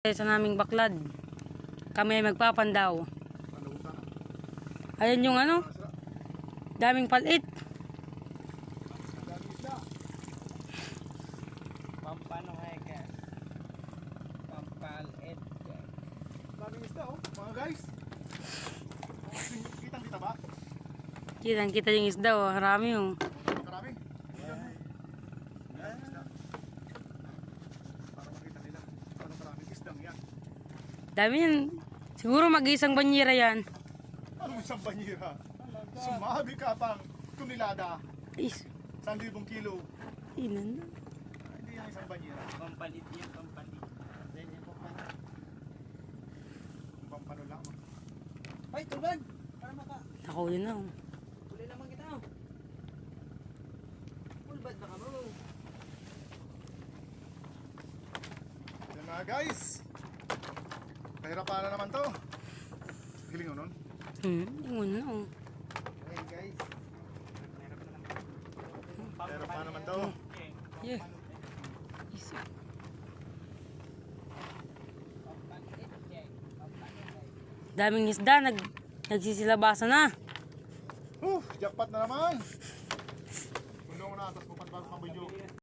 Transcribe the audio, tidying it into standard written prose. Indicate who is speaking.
Speaker 1: Sa naming baklad. Kami ay magpapandaw. Ayan yung ano, daming palit.
Speaker 2: Pampano ay ka. Pampalit.
Speaker 3: Daming isda oh, mga guys. Kitang kita ba?
Speaker 1: Kita yung isda oh, harami oh.
Speaker 3: Marami. Para makita nila. Anong karaming isdang yan.
Speaker 1: Dami yan. Siguro mag-isang banyera yan.
Speaker 3: Anong isang banyera? Sumabi ka pang tunilada.
Speaker 1: Is,
Speaker 3: 1,000 kilo.
Speaker 1: inan na.
Speaker 3: Hindi yan isang banyera.
Speaker 2: Pampalit yan, pampalit. Then yung pampalit.
Speaker 3: Pampano lang.
Speaker 2: Ay, tulad! Para maka...
Speaker 1: Nakuli na oh.
Speaker 2: Huli naman kita oh. Pulbad baka mo.
Speaker 3: Yan mga guys. Kahirapan na naman to. Hiling mo nun?
Speaker 1: Yung na oh.
Speaker 2: Ayan guys.
Speaker 3: Kahirapan naman to.
Speaker 1: Yeah. Is, daming isda, nagsisilabasan na.
Speaker 3: Jackpot na naman. Puno ko na, tapos pupat bago pang video.